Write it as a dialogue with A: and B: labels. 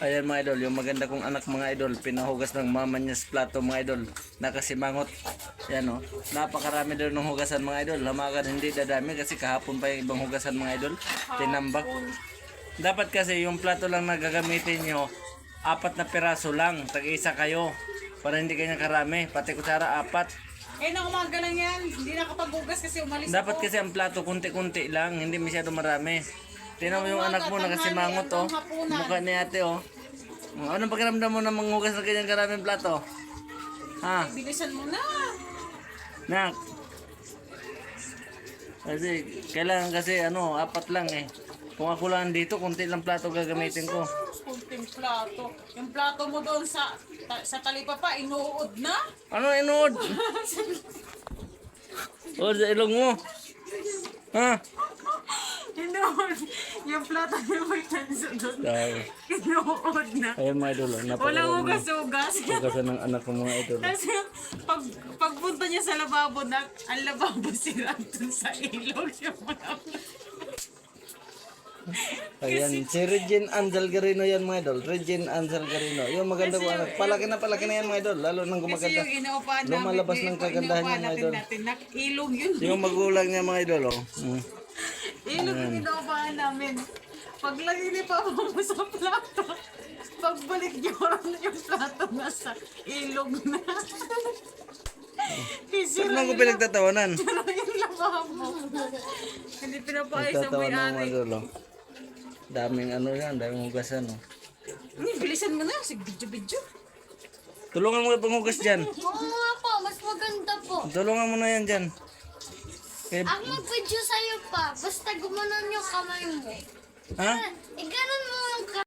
A: Ayan mga idol, yung maganda kong anak mga idol, pinahugas ng mama niya sa plato mga idol, nakasimangot. Yan o, napakarami doon ng hugasan mga idol, hamagan hindi dadami kasi kahapon pa yung ibang hugasan mga idol, tinambak. Dapat kasi yung plato lang na gagamitin nyo, 4 na piraso lang, tag-isa kayo, para hindi kanya karami, pati kutsara 4.
B: Eh, umaga lang yan. Hindi nakapaghugas kasi umalis
A: Dapat
B: ako.
A: kasi ang plato kunti-kunti lang, hindi masyado marami. Tingnan mo yung anak mo nakasimangot oh. Mukha ni ate oh. Anong pakiramdam mo na manghugas ng kanyang karaming plato? Ha?
B: Bilisan mo na.
A: Nak. Kasi kailangan kasi 4 lang eh. Kung ako lang dito, kunti lang plato gagamitin ko.
B: Kunting plato. Yung plato mo doon sa talipapa, inuod na.
A: Ano inuod? O sa ilong mo. Ha?
B: Inuod. Yung plato niya may tanso doon.
A: Dahil.
B: Inuod na.
A: Ayun mga idol.
B: Walang hugas-hugas.
A: Hugasan ng anak ko mga idol.
B: Kasi pagpunta niya sa lababo, ang lababo sila dun sa ilog. Yung mga
A: Ayan, si Regine Angel Garino yan mga idol. Regine Angel Garino. Yung maganda ko anak. Palaki na yan mga idol. Lalo nang
B: Kasi
A: gumaganda.
B: yung inuupahan namin,
A: Lumalabas ng kagandahan niya mga idol.
B: Ilog yun.
A: Yung magulang niya mga idol oh.
B: Ilog yung inuupahan namin. Paglagay ni Papa mo sa plato, pagbalik niyo na yung plato nasa ilog na.
A: Saan lang ko pinagtatawanan?
B: Pero yung lababo. Hindi pinapaayos ang
A: Nagtatawanan mga
B: may-ari.
A: idol oh. Daming yan, daming hugasan oh.
B: Bilisan mo na, sig video-video.
A: Tulungan mo yung panghugas dyan.
C: Oo nga po, mas maganda po.
A: Tulungan mo na yan dyan.
C: Ang mag-video sa'yo pa, basta gumanon yung kamay mo.
A: Ha?
C: Ganun